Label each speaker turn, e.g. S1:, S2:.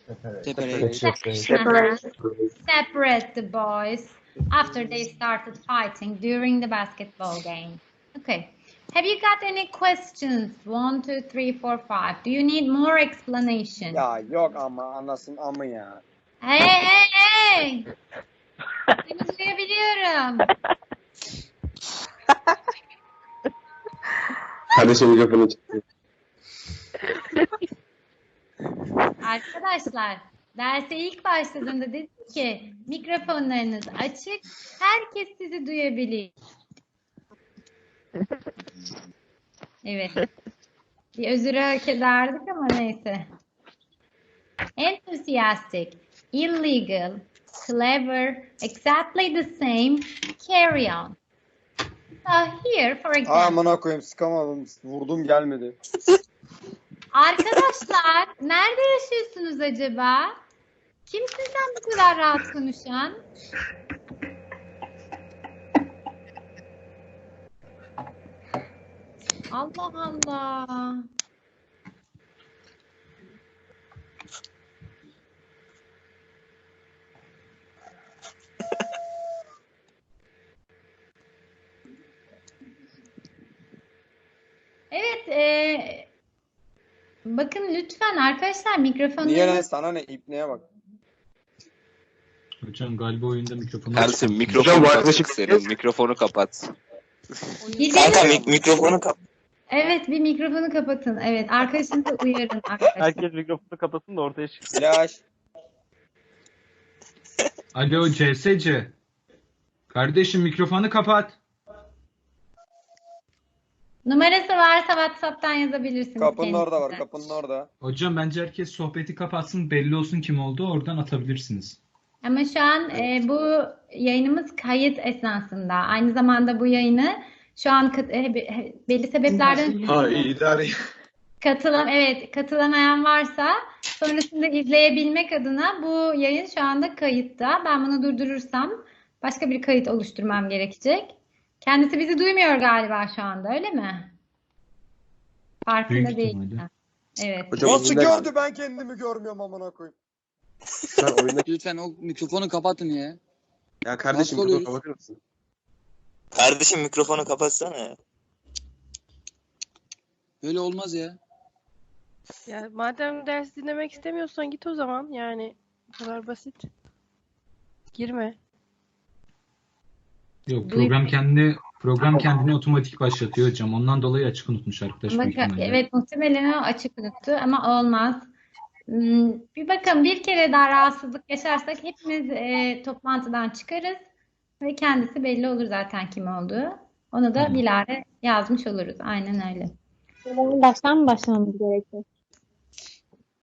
S1: Separate.
S2: Separate the boys after they started fighting during the basketball game. Okay. Have you got any questions? 1, 2, 3, 4, 5. Do you need more explanation?
S3: Ya yok ama anasın amı ya.
S2: Hey! Seni duyabiliyorum.
S4: Kardeşim mikrofonu çıktı.
S2: Arkadaşlar, derse ilk başladığında dedim ki mikrofonlarınız açık, herkes sizi duyabilir. Evet. Bir özür hak ederdik ama neyse. Enthusiastic, illegal, clever, exactly the same, carry on. So here, for example.
S3: Amına koyayım sıkamadım. Vurdum gelmedi.
S2: Arkadaşlar, nerede yaşıyorsunuz acaba? Kim sizden bu kadar rahat konuşan? Allah Allah. Evet, bakın lütfen arkadaşlar mikrofonları...
S3: Niye lan sana ne? İpneye bak.
S5: Hocam galiba oyunda mikrofonu
S1: Ersin
S4: Hocam,
S1: mikrofonu
S4: bu
S1: kapat
S4: yaklaşık-
S1: senin. Mikrofonu kapat.
S6: Kanka mikrofonu kapat.
S2: Evet, bir mikrofonu kapatın. Evet, arkadaşınızı uyarın arkadaşlar.
S7: Herkes mikrofonu kapatsın da ortaya çıksın.
S3: Flash.
S5: Alo CSC. Kardeşim mikrofonu kapat.
S2: Numarası varsa WhatsApp'tan yazabilirsiniz
S3: Kapının orada var.
S2: kendisine.
S3: Kapının orada.
S5: Hocam bence herkes sohbeti kapatsın, belli olsun kim olduğu, oradan atabilirsiniz.
S2: Ama şu an bu yayınımız kayıt esnasında. Aynı zamanda bu yayını şu an belli sebeplerden
S4: Ha idare.
S2: katılamayan varsa sonrasında izleyebilmek adına bu yayın şu anda kayıtta. Ben bunu durdurursam başka bir kayıt oluşturmam gerekecek. Kendisi bizi duymuyor galiba şu anda, öyle mi? Farkında
S5: Büyük
S2: değil.
S5: ihtimalle.
S2: Evet.
S4: Hocam
S3: Nasıl
S4: oyunda-
S3: gördü ben kendimi görmüyorum amına koyayım.
S4: Sen oyundaki...
S6: Lütfen o mikrofonu kapatın ya.
S4: Ya kardeşim
S6: Nasıl
S4: mikrofonu
S6: oluyor?
S4: kapatır mısın?
S6: Kardeşim mikrofonu kapatsana ya. Böyle olmaz ya.
S8: Ya madem ders dinlemek istemiyorsan git o zaman. Yani bu kadar basit. Girme.
S5: Yok, program kendini otomatik başlatıyor hocam. Ondan dolayı açık unutmuş arkadaş
S2: Ama
S5: büyük ihtimalle.
S2: evet, muhtemelen o açık unuttu ama olmaz. Bir bakın, bir kere daha rahatsızlık yaşarsak hepimiz toplantıdan çıkarız ve kendisi belli olur zaten kim olduğu. Onu da
S5: Tamam.
S2: bilare yazmış oluruz. Aynen öyle.
S9: Baştan mı başlamamız gerekiyor?